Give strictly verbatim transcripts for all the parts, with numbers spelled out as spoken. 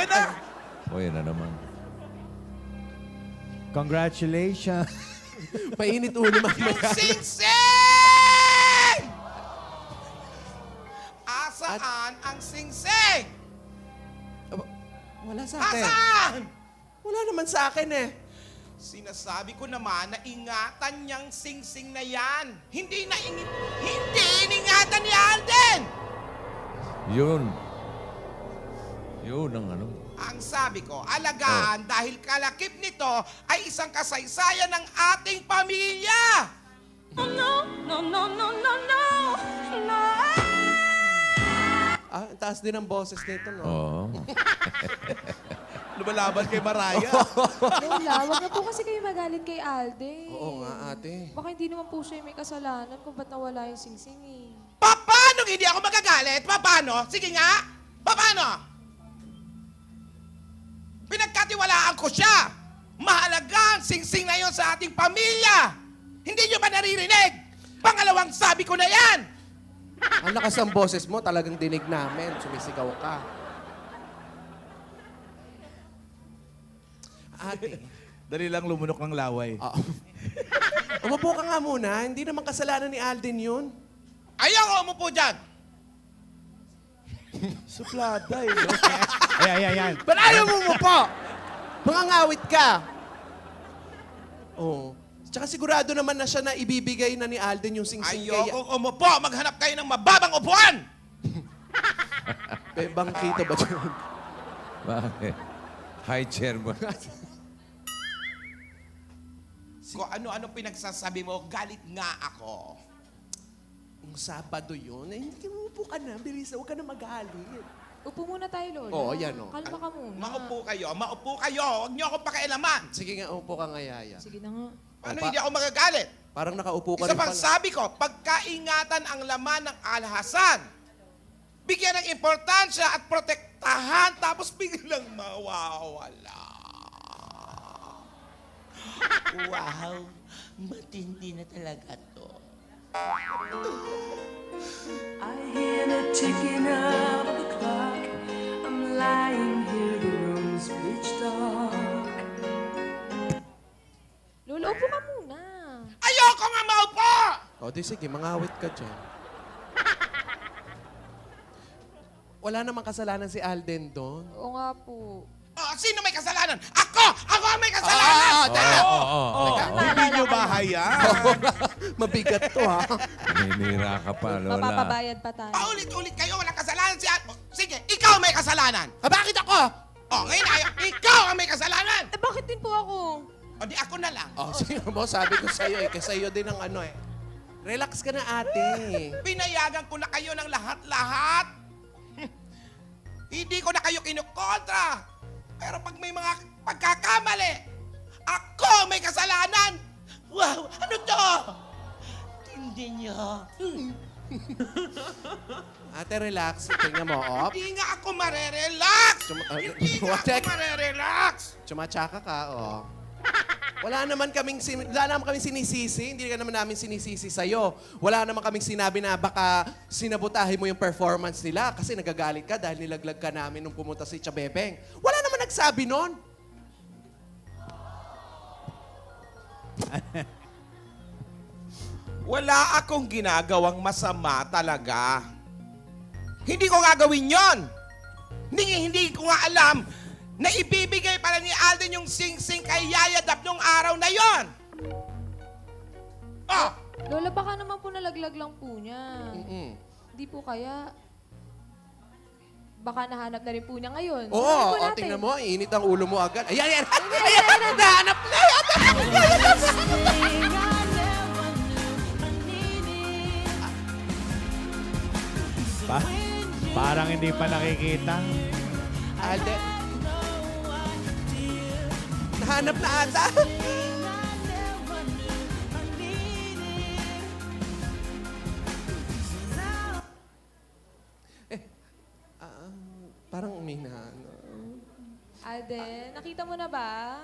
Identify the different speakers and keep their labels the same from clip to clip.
Speaker 1: Ayan na!
Speaker 2: O, yan na naman.
Speaker 3: Congratulations.
Speaker 4: Mainit ulo
Speaker 1: Yung
Speaker 4: mamaya.
Speaker 1: singsing! Asaan ang singsing?
Speaker 4: Aba, wala sa akin.
Speaker 1: Asaan?
Speaker 4: Wala naman sa akin eh.
Speaker 1: Sinasabi ko naman na ingatan niyang singsing na yan. Hindi na ingit, hindi iningatan ni Alden!
Speaker 2: Yun. Yun ang ano.
Speaker 1: Ang sabi ko, alagaan dahil kalakip nito ay isang kasaysayan ng ating pamilya.
Speaker 5: No, no, no, no, no, no, no.
Speaker 4: Ah, ang taas din ang boses nito, no?
Speaker 2: Oo.
Speaker 1: Lumalaban kay Maraya.
Speaker 6: Lola, wag na po kasi kayo magalit kay Alden.
Speaker 4: Oo nga, ate.
Speaker 6: Baka hindi naman po siya yung may kasalanan kung ba't nawala yung singsing eh.
Speaker 1: Paano hindi ako magagalit? Paano? Sige nga. Paano? Pinagkatiwalaan ko siya. Mahalaga ang singsing na yon sa ating pamilya. Hindi nyo ba naririnig? Pangalawang sabi ko na yan.
Speaker 4: Ang lakas ng boses mo, talagang dinig namin. Sumisigaw ka. Ate.
Speaker 3: Dali lang lumunok ng laway.
Speaker 4: Oo. Umupo ka nga muna. Hindi naman kasalanan ni Alden yun.
Speaker 1: Ayaw umupo dyan.
Speaker 3: Suplada eh. Ay, ay, ay, ay.
Speaker 4: Ba't ayaw mo umupo? Mangangawit ka. Oo. Tsaka sigurado naman na siya na ibibigay na ni Alden yung singsing kay...
Speaker 1: Ayokong umupo. Maghanap kayo ng mababang upuan.
Speaker 4: May bangkito ba dyan?
Speaker 2: Bakit? Hi, chairman.
Speaker 1: Kung ano-ano pinagsasabi mo, galit nga ako.
Speaker 4: Yung Sabado yun. Eh, hindi umupo ka na. Bilis, huwag ka na magalit.
Speaker 6: Upo muna tayo, Lola.
Speaker 4: Oo, yan, oh.
Speaker 6: Kalma ka muna.
Speaker 1: Maupo kayo, maupo kayo. Huwag niyo akong pakialaman.
Speaker 4: Sige nga, upo ka nga, Yaya.
Speaker 6: Sige na nga.
Speaker 1: Ano
Speaker 4: pa-
Speaker 1: hindi ako magagalit?
Speaker 4: Parang nakaupo ka
Speaker 1: Isa
Speaker 4: rin
Speaker 1: pang
Speaker 4: pala.
Speaker 1: sabi ko, pagkaingatan ang laman ng alhasan. Bigyan ng importansya at protektahan, tapos biglang mawawala.
Speaker 7: Wow, matindi na talaga to.
Speaker 5: I hear the ticking of the clock. I'm lying here, the room's pitch dark.
Speaker 6: Lola, upo ka muna.
Speaker 1: Ayoko nga maupo!
Speaker 4: O, di sige, mangawit ka dyan. Wala namang kasalanan si Alden doon.
Speaker 6: Oo nga po.
Speaker 1: Oh, sino may kasalanan? Ako! Ako ang may kasalanan!
Speaker 4: Ah, teka.
Speaker 2: Oo, oo, oo.
Speaker 3: Hindi nyo ba hayaan?
Speaker 4: Mabigat to, ha?
Speaker 2: Naninira ka pa, Lola.
Speaker 6: Mapapabayad pa tayo.
Speaker 1: Paulit-ulit kayo, walang kasalanan si Al- oh, sige, ikaw may kasalanan!
Speaker 4: Ah, bakit ako?
Speaker 1: Oh, ngayon ayaw, ikaw ang may kasalanan!
Speaker 6: Eh, bakit din po ako?
Speaker 1: O di ako na lang.
Speaker 4: Oh, sige mo, sabi ko sa'yo eh. Kasi sa'yo din ang ano eh. Relax ka na, ate.
Speaker 1: Pinayagan ko na kayo ng lahat-lahat. Hindi ko na kayo kinukontra. Pero pag may mga pagkakamali, ako may kasalanan. Wow, ano to?
Speaker 7: Tindi niyo.
Speaker 4: Ate, relax. Tingnan mo, op.
Speaker 1: Hindi nga ako marerelax.
Speaker 4: Suma- ah,
Speaker 1: Hindi nga
Speaker 4: What the-
Speaker 1: ako marerelax.
Speaker 4: Chumatsaka ka, oh. Wala naman kaming, sin- wala naman kaming sinisisi. Hindi ka naman namin sinisisi sa'yo. Wala naman kaming sinabi na baka sinabotahin mo yung performance nila kasi nagagalit ka dahil nilaglag ka namin nung pumunta si Chabebeng. Wala naman nagsabi nun.
Speaker 1: Wala akong ginagawang masama talaga. Hindi ko gagawin yon. Hindi, hindi ko nga alam na ibibigay pala ni Alden yung sing-sing kay Yaya Dap nung araw na yon. Oh!
Speaker 6: Lola, baka naman po nalaglag lang po niya.
Speaker 4: Mm-mm.
Speaker 6: Hindi po kaya... Baka nahanap na rin po niya ngayon.
Speaker 4: Oo,
Speaker 6: Tingnan po
Speaker 4: oh,
Speaker 6: natin.
Speaker 4: tingnan mo, init ang ulo mo agad. Ayan, ayan, ayan, ayan, nahanap na.
Speaker 3: Pa parang hindi pa nakikita.
Speaker 4: Alden. Nahanap na ata. eh, ah, parang umina.
Speaker 6: Alden, nakita mo na ba?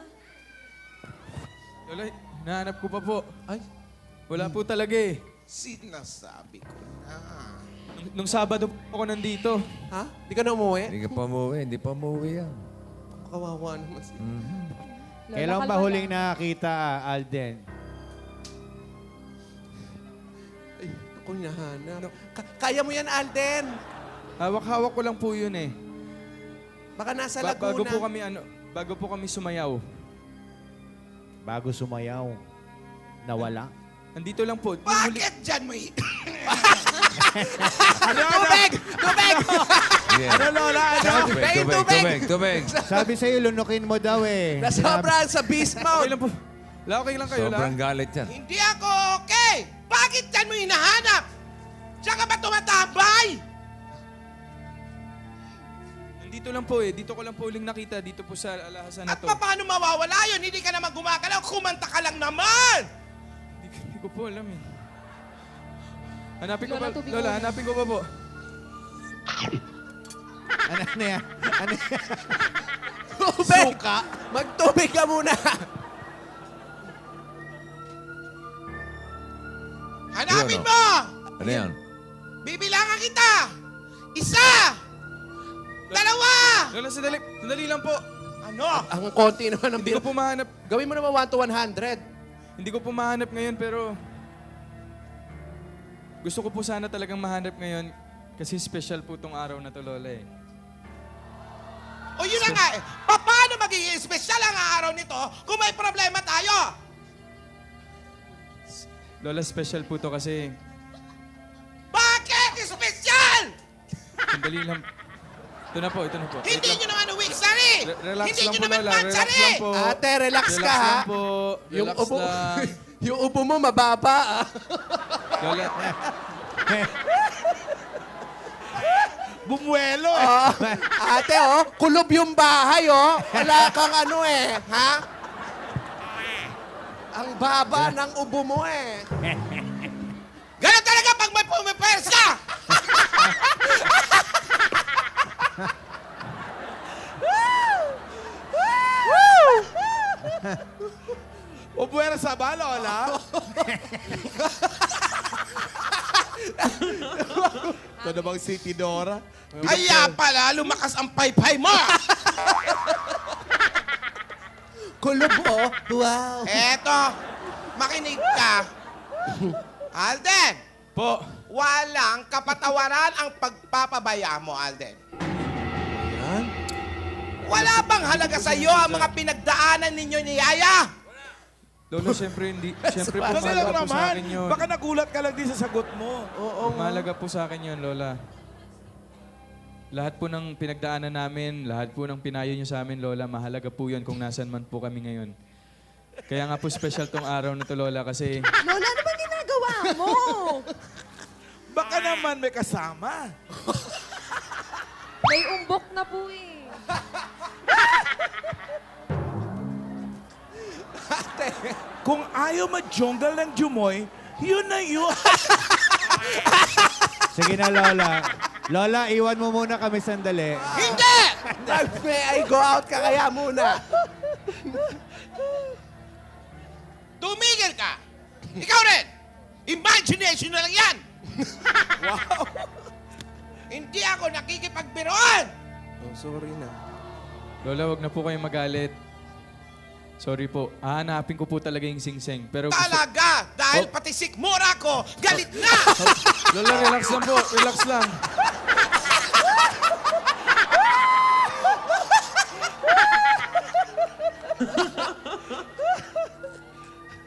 Speaker 8: Lola, nahanap ko pa po.
Speaker 4: Ay,
Speaker 8: Wala po talaga eh.
Speaker 1: Sinasabi ko na.
Speaker 8: Nung, nung Sabado po ako nandito.
Speaker 4: ha? Di ka na umuwi?
Speaker 2: Hindi ka pa umuwi. Hindi pa umuwi yan.
Speaker 4: kawawa naman. si-
Speaker 6: Lola,
Speaker 3: Kailan ba
Speaker 6: kalma
Speaker 3: huling
Speaker 6: lang.
Speaker 3: nakakita, Alden?
Speaker 4: Ay, ako hinahanap. Ka- kaya mo yan, Alden.
Speaker 8: Hawak-hawak ko lang po yun eh.
Speaker 4: Baka nasa
Speaker 8: Ba-
Speaker 4: Laguna.
Speaker 8: bago po kami ano, bago po kami sumayaw.
Speaker 3: Bago sumayaw, nawala.
Speaker 8: Andito lang po. Nung huli-
Speaker 1: Bakit dyan mo i-
Speaker 4: Tubig! Tubig!
Speaker 2: Yeah.
Speaker 3: Ano, Lola? Ano?
Speaker 2: Tubig,
Speaker 4: Tubig,
Speaker 2: tubig,
Speaker 4: tubig.
Speaker 2: tubig, tubig.
Speaker 3: Sabi sa'yo, lunukin mo daw eh.
Speaker 4: Nasobra sa beast
Speaker 8: Okay
Speaker 4: mode.
Speaker 8: lang po. La, okay lang kayo
Speaker 2: Sobrang
Speaker 8: lang.
Speaker 2: galit yan.
Speaker 1: Hindi ako okay! Bakit dyan mo hinahanap? Diyan ka ba tumatambay?
Speaker 8: Andito lang po eh. Dito ko lang po uling nakita. Dito po sa alahasan na
Speaker 1: At
Speaker 8: to.
Speaker 1: paano mawawala yun? Hindi ka naman gumagalaw, kumanta ka lang naman!
Speaker 8: Hindi, hindi ko po alam eh. Hanapin ko
Speaker 6: Lola,
Speaker 8: pa.
Speaker 6: tubig
Speaker 8: Lola,
Speaker 6: ulit.
Speaker 8: hanapin ko pa po.
Speaker 3: Ano, ano yan? Ano yan?
Speaker 4: Tubig! Magtubig ka muna.
Speaker 1: Hanapin
Speaker 2: Yun,
Speaker 1: mo!
Speaker 2: Ano yan?
Speaker 1: Bibilangan kita! Isa! Dalawa!
Speaker 8: Lola, sandali. Sandali lang po.
Speaker 1: Ano?
Speaker 4: Ang konti naman ng
Speaker 8: Hindi ko
Speaker 4: bil.
Speaker 8: po mahanap.
Speaker 4: Gawin mo naman one to one hundred.
Speaker 8: Hindi ko po mahanap ngayon pero gusto ko po sana talagang mahanap ngayon kasi special po tong araw na to, Lola eh.
Speaker 1: O yun na nga eh. Pa- Paano magiging espesyal ang araw nito kung may problema tayo?
Speaker 8: Lola, special po to kasi
Speaker 1: Bakit espesyal?
Speaker 8: sandali lang. Ito na po, ito na po. Wait
Speaker 1: Hindi
Speaker 8: lang.
Speaker 1: nyo naman uwik sari!
Speaker 8: Re- relax
Speaker 1: Hindi
Speaker 8: lang
Speaker 1: nyo
Speaker 8: po,
Speaker 1: naman
Speaker 8: Lola. Relax
Speaker 1: pansari!
Speaker 8: lang po.
Speaker 4: Ate, relax ka,
Speaker 8: Relax
Speaker 4: ha?
Speaker 8: lang po.
Speaker 4: Yung
Speaker 8: Relax
Speaker 4: upo,
Speaker 8: lang.
Speaker 4: yung upo mo mababa, ah.
Speaker 8: Lola,
Speaker 3: Bumuelo eh.
Speaker 4: Oh, ate, oh, kulob yung bahay, oh. Wala kang ano eh, ha? Ang baba ng ubo mo eh.
Speaker 1: Ganun talaga pag may pumipersa!
Speaker 3: O buwera sa ba, Lola? Ito na bang City Dora?
Speaker 1: Kaya pala, lumakas ang paypay mo!
Speaker 4: Kulob, oh. Wow.
Speaker 1: Eto, makinig ka. Alden,
Speaker 8: po.
Speaker 1: walang kapatawaran ang pagpapabaya mo, Alden. Wala bang halaga sa iyo ang mga pinagdaanan ninyo ni Yaya?
Speaker 8: Lola, siyempre hindi. Siyempre po,
Speaker 3: Kasi lang
Speaker 8: mahalaga po sa
Speaker 3: naman,
Speaker 8: akin yun.
Speaker 3: baka nagulat ka lang din sa sagot mo.
Speaker 8: Oo, mahalaga po sa akin yun, Lola. Lahat po ng pinagdaanan namin, lahat po ng pinayo niyo sa amin, Lola, mahalaga po yun kung nasan man po kami ngayon. Kaya nga po special tong araw na to, Lola, kasi
Speaker 6: Lola, ano ba ginagawa mo?
Speaker 3: Baka naman may kasama.
Speaker 6: May umbok na po eh.
Speaker 3: Kung ayaw ma-jungle ng Jumoy, yun na yun. Sige na, Lola. Lola, iwan mo muna kami sandali.
Speaker 1: Hindi!
Speaker 4: May I go out ka kaya muna.
Speaker 1: Tumigil ka! Ikaw rin! Imagination na lang yan! wow! Hindi ako nakikipagbiroan!
Speaker 4: Oh, sorry na.
Speaker 8: Lola, wag na po kayong magalit. Sorry po. Hahanapin ko po talaga yung sing-sing. Pero gusto...
Speaker 1: Talaga! Dahil
Speaker 8: Oh.
Speaker 1: pati sikmura ko, galit na!
Speaker 8: Lola, relax lang po. Relax lang.